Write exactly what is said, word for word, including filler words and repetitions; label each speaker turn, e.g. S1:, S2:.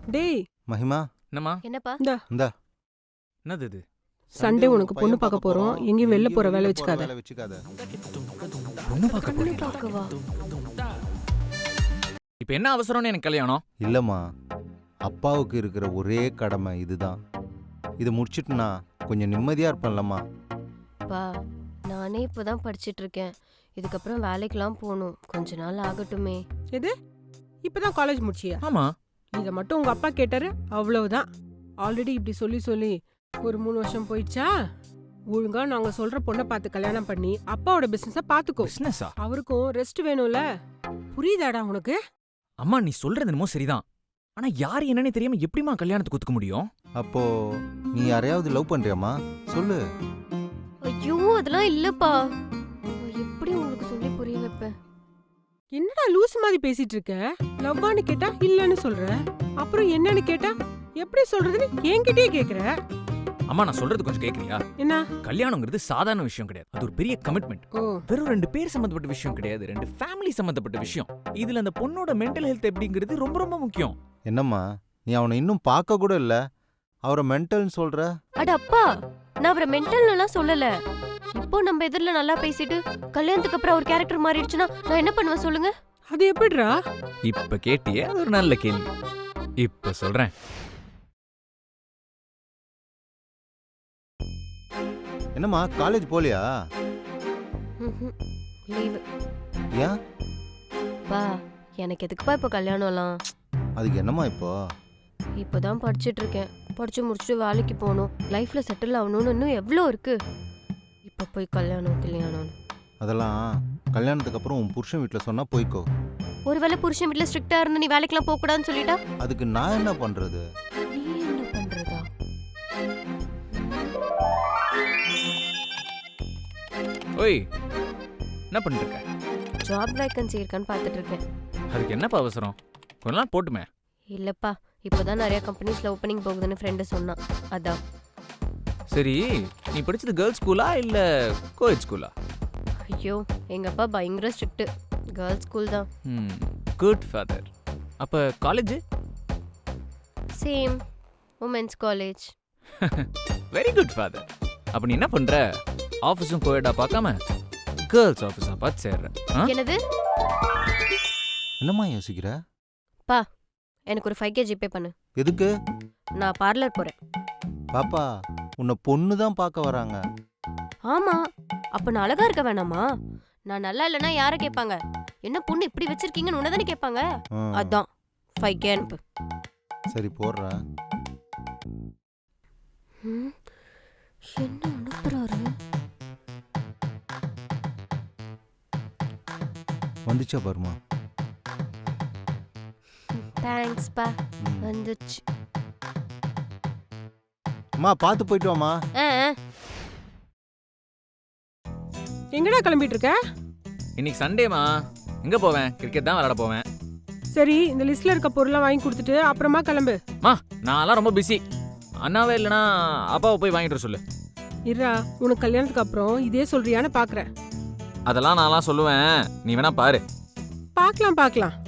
S1: டேய்
S2: மகிமா
S3: என்னம்மா
S4: என்னப்பா
S1: இந்தா
S2: இந்தா
S3: என்னது இது
S1: சண்டே உனக்கு பொண்ணு பார்க்க போறோம் எங்கேயும் வெளில போற வேலை வச்சுக்காத
S2: வேலை வச்சுக்காத
S3: பொண்ணு பார்க்க
S4: பொண்ணு
S3: போறீங்களா?
S4: பார்க்கவா?
S3: இப்ப என்ன அவசரம்னு எனக்கு கல்யாணம்?
S2: இல்லம்மா, அப்பாவுக்கு இருக்கிற ஒரே கடமை இதுதான். இதை முடிச்சிட்டுனா கொஞ்சம் நிம்மதியா இருப்பேன்லம்மா.
S4: பா நானே இப்பதான் படிச்சிட்டு இருக்கேன். இதுக்கப்புறம் வேலைக்கெல்லாம் போகணும். கொஞ்ச நாள் ஆகட்டுமே.
S1: எது இப்பதான் காலேஜ் முடிச்சியா?
S3: ஆமா.
S1: இதை மட்டும் உங்க அப்பா கேட்டாரு, அவ்வளவுதான். ஆல்ரெடி இப்படி சொல்லி சொல்லி ஒரு மூணு வருஷம் போயிடுச்சா? ஒழுங்கா நாங்க சொல்ற பொண்ணை பார்த்து கல்யாணம் பண்ணி அப்பாவோட பிசினஸ பாத்துக்கோ.
S3: பிசினஸா?
S1: அவருக்கும் ரெஸ்ட் வேணும்ல. புரியுதாடா உனக்கு?
S3: அம்மா நீ சொல்றது என்னமோ சரிதான். ஆனா யாரு என்னன்னு தெரியாம எப்படிமா கல்யாணத்துக்கு ஒத்துக்க முடியும்?
S2: அப்போ நீ யாரையாவது லவ் பண்றியாமா? சொல்லு.
S4: ஐயோ அதெல்லாம் இல்லப்பா. எப்படி உங்களுக்கு சொல்லி புரிய வைப்பேன்?
S1: என்னடா லூஸ் மாதிரி பேசிட்டு இருக்க? லவ்வான்னு கேட்டா இல்லன்னு சொல்ற, அப்புறம் என்னன்னு கேட்டா எப்படி சொல்றதுன்னு என்கிட்டயே கேக்குற.
S3: அம்மா நான் சொல்றது கொஞ்சம் கேக்குறியா?
S1: என்ன?
S3: கல்யாணங்கிறது சாதாரண விஷயம் கிடையாது. அது ஒரு பெரிய கமிட்மெண்ட்.
S1: ஓ
S3: வெறும் ரெண்டு பேர் சம்பந்தப்பட்ட விஷயம் கிடையாது, ரெண்டு ஃபேமிலி சம்பந்தப்பட்ட விஷயம். இதுல அந்த பொண்ணோட மென்டல் ஹெல்த் எப்படிங்கிறது ரொம்ப ரொம்ப முக்கியம்.
S2: என்னம்மா நீ அவனை இன்னும் பார்க்க கூட இல்ல, அவரை மென்டல்னு சொல்ற?
S4: அட அப்பா, நான் அவரை மென்டல்னுலாம் சொல்லல. இப்போ நம்ம எதிரில நல்லா பேசிட்டு கல்யாணத்துக்கு அப்புறம் அவர் கேரக்டர் மாறிடுச்சுன்னா நான் என்ன பண்ணுவேன் சொல்லுங்க?
S1: அது எப்படிடா?
S3: இப்ப கேட்டியே அது ஒரு நல்ல கேள்வி. இப்ப சொல்றேன்.
S2: என்னம்மா காலேஜ் போலியா?
S4: லீவ்.
S2: ஏன்?
S4: பா எனக்கு எதுக்குப்பா இப்போ கல்யாணம்லாம்?
S2: அதுக்கு என்னம்மா இப்போ?
S4: இப்போதான் படிச்சுட்டு இருக்கேன். படிச்சு முடிச்சுட்டு வேலைக்கு போகணும், லைஃப்ல செட்டில் ஆகணும்னு இன்னும் எவ்வளோ இருக்கு. இப்போ போய் கல்யாணம் கல்யாணம்
S2: அதெல்லாம் கல்யாணத்துக்கு அப்புறம் உன் புருஷன் வீட்டில் சொன்னா போய்க்கோ.
S4: ஒருவேளை புருஷன் வீட்டில் ஸ்ட்ரிக்டா இருந்து நீ வேலைக்கெல்லாம் போக கூடாதுன்னு சொல்லிட்டா
S2: அதுக்கு நான் என்ன பண்றது?
S4: நீ என்ன பண்றதா?
S3: ஓய் என்ன பண்ணிட்டு இருக்க?
S4: ஜாப் வேகன்சி இருக்கான்னு பார்த்துட்டு இருக்கேன்.
S3: அதுக்கு என்னப்பா அவசரம்? கொஞ்ச நாள் போட்டுமே.
S4: இல்லப்பா, இப்போதான் நிறைய கம்பெனிஸ்ல ஓப்பனிங் போகுதுன்னு ஃப்ரெண்டு சொன்னான், அதான்.
S3: சரி நீ படிச்சது கேர்ள்ஸ் ஸ்கூலா இல்ல கோஎட் ஸ்கூலா?
S4: ஐயோ எங்க அப்பா பயங்கர ஸ்ட்ரிக்ட். கேர்ள்ஸ் ஸ்கூல் தான்.
S3: ம் குட் ஃபாதர். அப்ப college?
S4: Same women's college.
S3: Very good father. அப்ப நீ என்ன பண்ற? ஆஃபீஸும் கோஎட்டா பார்க்காம கேர்ள்ஸ் ஆஃபீஸா பார்த்து சேர்ற.
S4: என்னது?
S2: என்னம்மா யோசிக்கிற?
S4: பா எனக்கு ஒரு ஃபைவ் கே ஜிபே பண்ணு.
S2: எதுக்கு?
S4: நான் பார்லர் போறேன்.
S2: பாப்பா உன்னை பொண்ணு தான் பார்க்க வராங்க.
S4: ஆமா, அப்ப நான் அழகா இருக்க வேணாமா? நான் நல்லா இல்லைன்னா யாரை கேட்பாங்க? என்ன பொண்ணு இப்படி வச்சிருக்கீங்கன்னு உன்னதானே கேட்பாங்க.
S2: ஆ,
S4: அதான் ஃபைவ் கே அனுப்பு.
S2: சரி போடுறேன்.
S4: ம், என்ன அனுப்புறாரு?
S2: வந்துச்சா பாருமா.
S4: தேங்க்ஸ் பா,
S2: ம்.
S4: வந்துச்சு.
S2: அம்மா பார்த்து போயிட்டு வாமா.
S4: ஆ, ஆ.
S1: எங்கடா கிளம்பிட்டு இருக்க?
S3: இன்னைக்கு சண்டேமா, எங்க போவேன்? கிரிக்கெட் தான் விளையாட போவேன்.
S1: சரி இந்த லிஸ்ட்ல இருக்க பொருளை வாங்கி கொடுத்துட்டு அப்புறமா கிளம்பு.
S3: மா நான்லாம் ரொம்ப பிஸி. அண்ணாவே இல்லைனா அப்பாவை போய் வாங்கிட்டு சொல்லு.
S1: இருடா, உனக்கு கல்யாணத்துக்கு அப்புறம் இதே சொல்றியான்னு பாக்குறேன்.
S3: அதெல்லாம் நான்லாம் சொல்லுவேன், நீ வேணா பாரு.
S1: பார்க்கலாம் பார்க்கலாம்.